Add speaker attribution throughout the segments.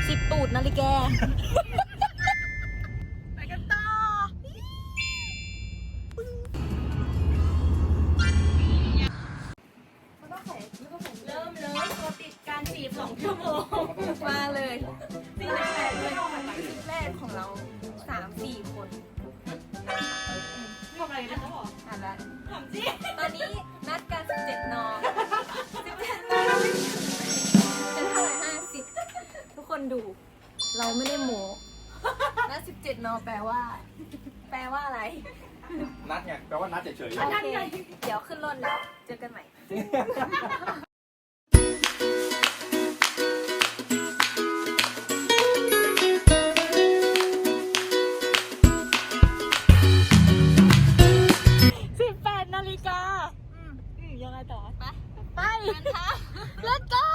Speaker 1: 10 ตูดนาฬิกาไปกันต่อเริ่มเลยตัวติดการจีบ2 ชั่วโมงมาเลยซีนแรกเลยซีนแรกของเรา 3-4 คนบอกอะไรนะเขาบอกอ่านแล้วถามจริงตอนนี้นัดกัน17 น17 นจะเท่าไหร่50ทุกคนดูเราไม่ได้โม้นัด17 นแปลว่าอะไร
Speaker 2: นัดไงแปลว่านัดเฉยๆ
Speaker 1: โอเคเดี๋ยวขึ้นรถแล้วเจอกันใหม่18 นาฬิกายังไงต่อไปlet's go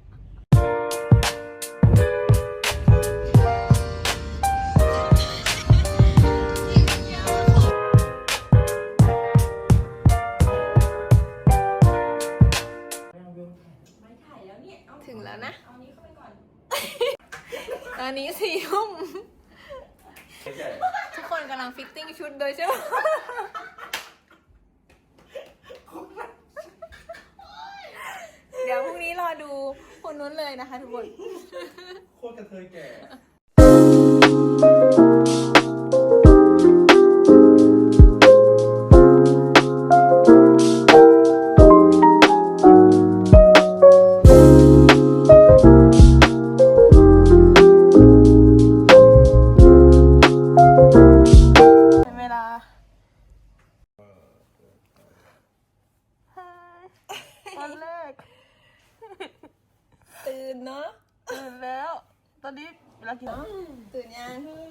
Speaker 1: ถึงแล้วนะตอนนี้4 ทุ่มทุกคนกำลังฟิตติ้งชุดโดยใช่ไหมเดี๋ยวพรุ่งนี้รอดูคนนู้นเลยนะคะทุกคน
Speaker 2: โคตรกระเทยแก่
Speaker 1: เวลาวันแรกตื่นเนาะตื่นแล้วตอนนี้เวลากี่โมงตื่นยัง